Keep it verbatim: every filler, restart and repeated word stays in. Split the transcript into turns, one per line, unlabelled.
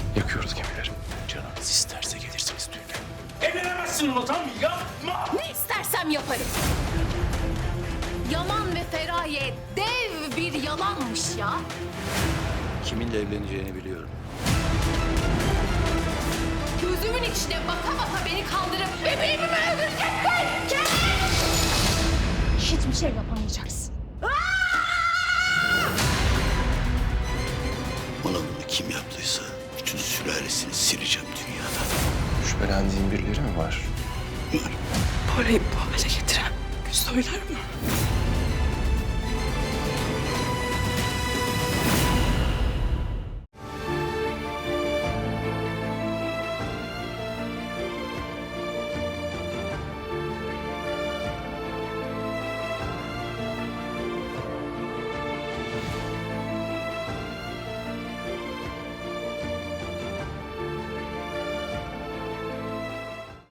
Yakıyoruz gemileri.
Canınız isterse gelirsiniz düğüne.
Evlenemezsin Murat abi, yapma!
Ne istersem yaparım. Yaman ve Feraye dev bir yalanmış ya.
Kiminle evleneceğini biliyorum.
Gözümün içine baka baka beni kaldırıp bebeğimi mi öldüreceksin? Kes! Hiçbir şey yapamayacaksın.
Bana bunu kim yaptıysa bütün sülalesini sileceğim dünyadan.
Şüphelendiğin birileri mi var?
Var.
Parayı bu hale getiren Güzoylar mı?